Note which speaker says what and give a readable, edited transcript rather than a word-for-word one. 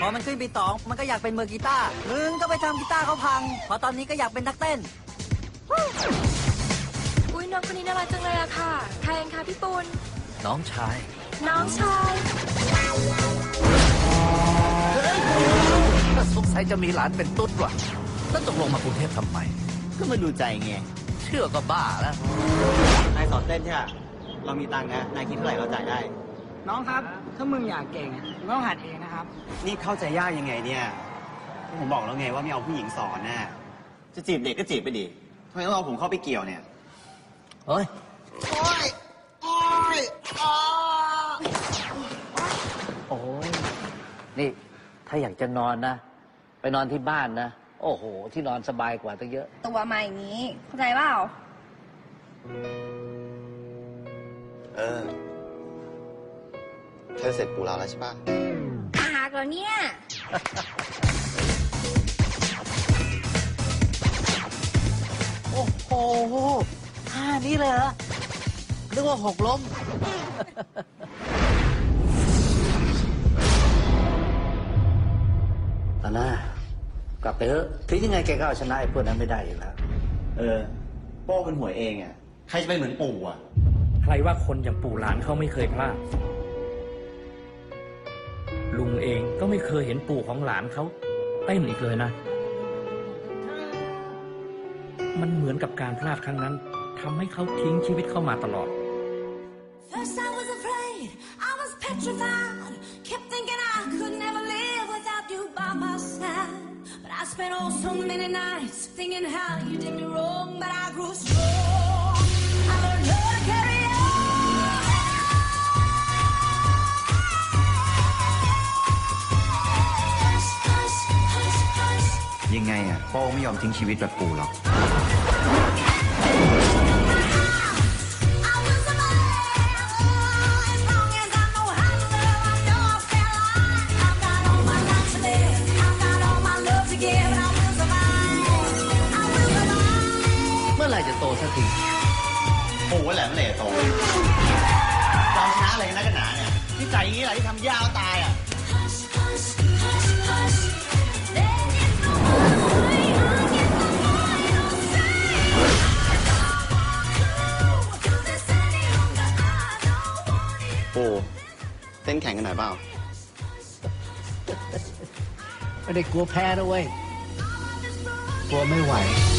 Speaker 1: พอมันขึ้นปีสองมันก็อยากเป็นมือกีตาร์มึงก็ไปทำกีตาร์เขาพังพอตอนนี้ก็อยากเป็นนักเต้น
Speaker 2: อุ้ยน้องคนนี้น่ารักจังเลยอะค่ะใครเองคะพี่ปูน
Speaker 1: น้องชาย
Speaker 2: น้องชาย
Speaker 1: สงสัยจะมีหลานเป็นตุ๊ดว่ะแล้วตกลงมากรุงเทพทำไม
Speaker 3: ก็มาดูใจไง
Speaker 1: เชื่อก็บ้าแล้ว
Speaker 3: นายสอนเต้นใช่ไหมเรามีตังค์นะนายคิดเท่าไหร่เราจ่ายได้
Speaker 4: น้องครับถ้ามึงอยากเก่งมึงต้องหัดเองนะครับ
Speaker 3: นี่เข้าใจยากยังไงเนี่ยผมบอกแล้วไงว่าไม่เอาผู้หญิงสอนน่ะจะจีบเด็กก็จีบไปดิทำไมต้องเอาผมเข้าไปเกี่ยวเนี่ย
Speaker 1: เฮ้ยโอ้ยนี่ถ้าอยากจะนอนนะไปนอนที่บ้านนะโอ้โหที่นอนสบายกว่าตั้งเยอะ
Speaker 2: ตัวมาอย่างนี้เข้าใจเปล่า
Speaker 3: เธอเสร็จปูเราแล้วใช่ปะ
Speaker 2: อาหารแล้วเนี่ย
Speaker 1: โอ้โหท่านี้เลยเหรอนึกว่าหกล้มตาหน้ากลับไปเถอะถึงยังไงแกก็เอาชนะไอ้พวกนั้นไม่ได้อยู่แล้ว
Speaker 3: โป้เป็นหวยเองอ่ะใครจะไปเหมือนปู่อ่ะ
Speaker 5: ใครว่าคนอย่างปู่หลานเขาไม่เคยพลาดลุงเองก็ไม่เคยเห็นปู่ของหลานเขาเต้นอีกเลยนะมันเหมือนกับการพลาดครั้งนั้นทำให้เขาทิ้งชีวิตเข้ามาตลอด
Speaker 3: ยังไงอ่ะโป้ไม่ยอมทิ้งชีวิตแบบปู่หรอก
Speaker 1: เมื่อไหร่จะโตสักที
Speaker 3: ปู่ว่าแหละเมื่อไหร่จะโตเราชนะอะไรกันนักกันหนาเนี่ยที่ใจอย่างนี้แหละที่ทำย่าตายอ่ะปู่เต้นแข่งกันหน่อยเปล่า
Speaker 1: ไม่ได้กลัวแพ้นะเว้ยกลัวไม่ไหว